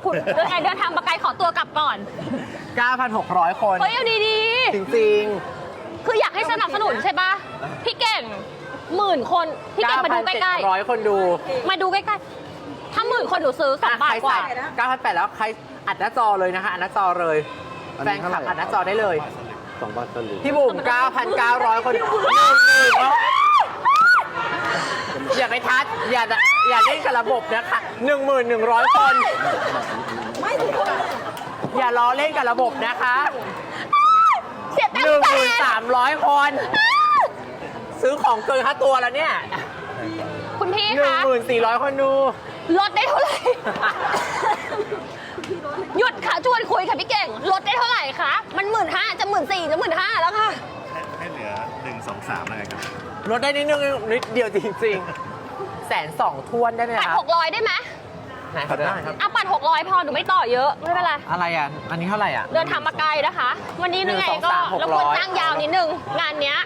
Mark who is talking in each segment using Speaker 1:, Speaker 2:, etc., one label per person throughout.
Speaker 1: คุณเดินทางมาไกลขอตัวกลับก่อน
Speaker 2: 9,600 คน
Speaker 1: เฮ้ยเอาดี
Speaker 2: จริง
Speaker 1: ๆคืออยากให้สนับสนุนใช่ปะพี่เก่ง10,000 คนพี่เก่งมาดูใกล้
Speaker 2: 9,700 คนดู
Speaker 1: ๆมาดูใกล้ๆถ้า10,000 คนหนูซื้อ2 บาทกว่า
Speaker 2: 9,800 แล้วใครอัดหน้าจอเลยนะคะอัดหน้าจอเลยแฟนคลับอัดหน้าจอได้เลย
Speaker 3: 2 บาทสลึง
Speaker 2: พี่บุ๋ม 9,900 คนอย่าไปทัดอย่าเล่นกับระบบนะคะ1,100 คนอย่าล้อเล่นกับระบบนะคะ
Speaker 1: เสียตังค์แสน
Speaker 2: 1,300 คน ซื้อของเกินค่าตัวแล้วเนี่ย
Speaker 1: คุณพี่คะ
Speaker 2: 1,400 คนดู
Speaker 1: ลดได้เท่าไหร่ หยุดค่ะชวนคุยค่ะพี่เก่งลดได้เท่าไหร่คะมัน15,000จะ14,000จะ15,000แล้วค่ะ
Speaker 3: ให้เหลือ 1 2 3แล้วไงครับ
Speaker 2: ลดได้นิดนึงนิดเดียวจริงๆ120,000ท้วนได้ไหม
Speaker 1: ปัด
Speaker 2: ครับ
Speaker 1: 600ได้ไหม
Speaker 2: ไหนครับได้ครับ
Speaker 1: อ่ะปัด600พอหนูไม่ต่อเยอะไม่เป็นไร
Speaker 2: อะไรอ่ะ อันนี้เท่าไหร่อ่ะ
Speaker 1: เดินทางมาไกลนะคะ วันนี้ยังไงก็
Speaker 2: 1 2 3
Speaker 1: รบกวนจ้างยาวนิดนึงงานเนี้ย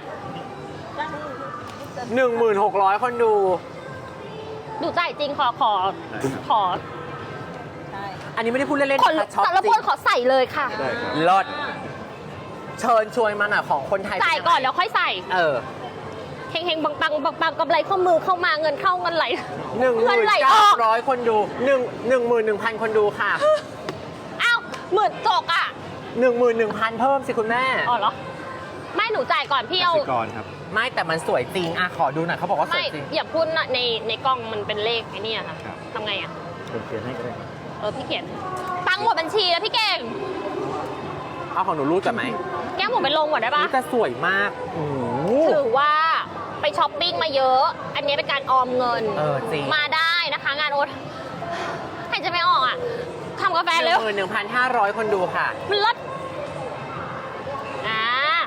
Speaker 2: 1,600 คนดู
Speaker 1: ดูจ่ายจริงขอ
Speaker 2: อันนี้ไม่ได้พูดเล่นๆ
Speaker 1: ขอ
Speaker 2: นะคะช็อป
Speaker 1: แต่ละ
Speaker 2: จริ
Speaker 1: ค
Speaker 2: ง
Speaker 1: นขอใส่เลยค่ะ
Speaker 3: ได้ครับ
Speaker 2: ลดเชิญชวนมาหน่อยของคนไทย
Speaker 1: จ่ายก่อนแล้วค่อยใส่
Speaker 2: เออ
Speaker 1: เฮงๆปังๆกำไรข้อมือเข้ามาเงินเข้าเงินไหล
Speaker 2: หนึ่งห
Speaker 1: เงิน
Speaker 2: มื่น
Speaker 1: ไหลอ
Speaker 2: เก้า
Speaker 1: อก
Speaker 2: ร้อยคนดู11,000 คนดูค่ะ
Speaker 1: อ้าวหมื่นจกอ่ะ
Speaker 2: 11,000 เพิ่มสิคุณแม่
Speaker 1: อ๋อเหรอไม่หนูจ่ายก่อนพี่เอา
Speaker 3: กสิกรครับ
Speaker 2: ไม่แต่มันสวยจริงอ่ะขอดูหน่อยเขาบอกว่าส
Speaker 1: ไม่
Speaker 2: วยจริง
Speaker 1: อย่าพูดนะในกล้องมันเป็นเลขไอ้นี่ค่ะ
Speaker 3: ครับ
Speaker 1: ทำไงอ่ะ
Speaker 3: ผมเขียนให้ก็ได้
Speaker 1: พี่เขียนตังค์หมดบัญชีแล้วพี่เก่ง
Speaker 2: เอาของหนูรูดก่อนไหม
Speaker 1: แก้มผมไปลงก่อนได้ปะ
Speaker 2: นี่จะสวยมากโอ้โห
Speaker 1: ถือว่าไปช้อปปิ้งมาเยอะ อันนี้เป็นการออมเงิน
Speaker 2: จริง
Speaker 1: มาได้นะคะงานโอ๊ตใครจะไม่ออกอ่ะทำกาแฟเร็ว
Speaker 2: 11,500 คนดูค่ะ
Speaker 1: มันลดอ่า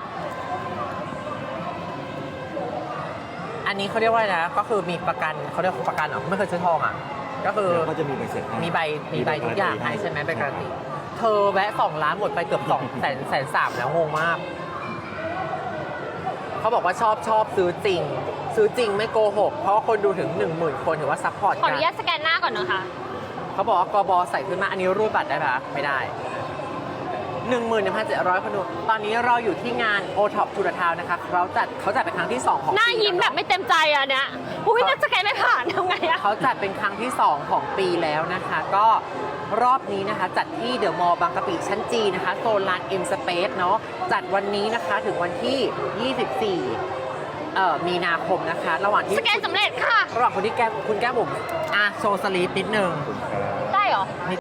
Speaker 2: อันนี้เขาเรียกว่าอะไรนะ ก็คือมีประกันเขาเรียกประกันเหรอไม่เคยซื้อทองอ่ะ ก็คือ
Speaker 3: ก็จะมีใบเสร็จให้
Speaker 2: มีใบทุกอย่างให้ใช่ไหมใบการันตีเธอแวะ2 ล้านหมดไปเกือบ200,000 แล้วงงมาก เขาบอกว่าชอบซื้อจริง ซื้อจริงไม่โกหก เพราะว่าคนดูถึง 10,000 คนถือว่าซัพพอร์ต
Speaker 1: ขออ
Speaker 2: กั
Speaker 1: นุญาตสแกนหน้าก่อนนะคะ
Speaker 2: เขาบอกว่ากบใส่ขึ้นมาอันนี้รูดบัตรได้ปะไม่ได้ 11,700 คนดู ตอนนี้เราอยู่ที่งาน O-Top To The Town นะคะเขาจัดเป็นครั้งที่ 2 ของ
Speaker 1: หน้า
Speaker 2: ปี
Speaker 1: ยิ้มแบบไม่เต็มใจอ่ะเนี่ยอุ้ยน่าสแกนไม่ผ่านทำไงอ่ะ
Speaker 2: เขาจัดเป็นครั้งที่ 2 ของปีแล้วนะคะ ก็รอบนี้นะคะ จัดที่เดอะมอลล์บางกะปิชั้นจีนะคะ โซนลาน M Space เนาะจัดวันนี้นะคะถึงวันที่ 24 มีนาคมนะคะ ระหว่างที่
Speaker 1: สแกนสำเร็จค่ะ
Speaker 2: ระหว่างคุณแก้มบุ๋มโชว์สลีปนิดนึง
Speaker 1: ได้เหรอ